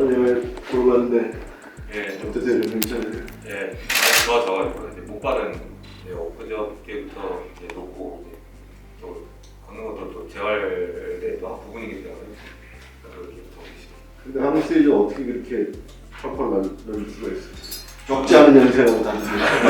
여행 보러 갔는데 예, 어떠세요? 좀 괜찮으세요? 예, 많이 좋아져가지고 이제 목발은 이제 엊그저께부터 이제 놓고 이제 또 걷는 것도 또 재활의 또 한 부분이기 때문에 그래서 이렇게 더 계십니다. 근데 한국 스테이지 어떻게 그렇게 펄펄 날릴 수가 있어요? 적지 않은 연세라고 다니는데.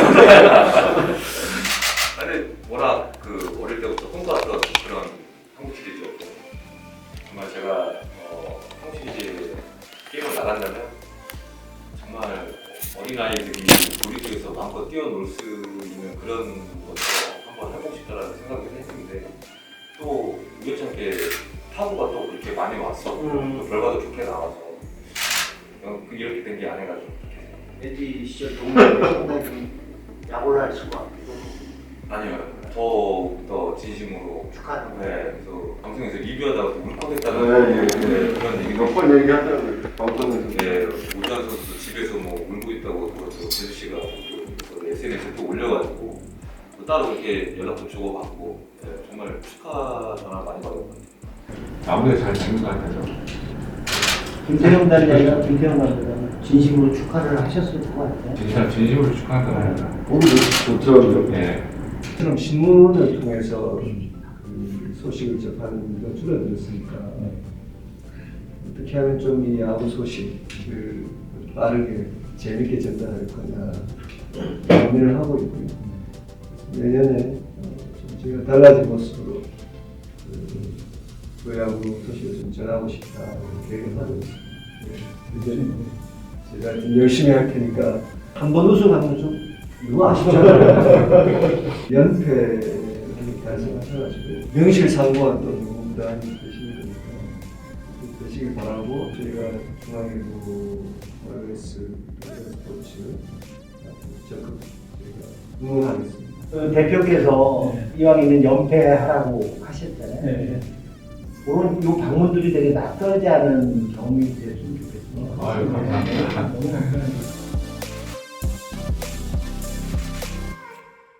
근데 워낙 그 어릴 때부터 꿈꿔왔던 그런 한국 시리즈였고 정말 제가 한국 시리즈 게임을 나간다면 정말 어린아이들이 놀이터에서 마음껏 뛰어놀 수 있는 그런 것을 한번 해보고 싶다라는 생각을 했는데 또 우연찮게 타구가 또 그렇게 많이 왔어. 또 결과도 좋게 나와서 이렇게 된 게 아닌가 좀. LG 시절 동료들 상당히 야구를 할 수가 없고 아니요, 더 진심으로 축하하는 네, 거예요. 그래서 방송에서 리뷰하다가 또 울컥했다는 그런 얘기가 몇 번 얘기하더라고요. 방송에서. 네, 오주환 선수도 집에서 뭐 울고 있다고 또 재수 씨가 또 SNS에 또 올려가지고 또 따로 이렇게 연락도 주고받고 네, 정말 축하 전화 많이 받았거든요. 아무래도 잘 되는 것 같아서. 김태형 단장이나 김태형 감독은 진심으로 축하를 하셨을 것 같아요. 진심으로 축하한다. 몸이 좋더라고요. 네. 처럼 신문을 통해서 그 소식을 접하는 게 줄어들었으니까 어떻게 하면 좀 이 야구 소식을 빠르게 재밌게 전달할 거냐 고민을 하고 있고요. 내년에 좀 제가 달라진 모습으로 그 야구 소식을 좀 전하고 싶다 계획을 하고 있습니다. 이제 제가 좀 열심히 할 테니까 한 번 우승하면 좀 이거 아시잖아요. 연패를 달성하셔가지고 명실상부한 또 누구보다 되시는 거니까 되시길 바라고 저희가 중앙일보, OS, 스포츠 적극 저희가 응원하겠습니다. 그 대표께서 이왕이면 연패하라고 하셨잖아요. 그런 요 방문들이 되게 낯설지 않은 경험이 됐으면 좋겠어요. 아유, 감사합니다. 너무 감사합니다.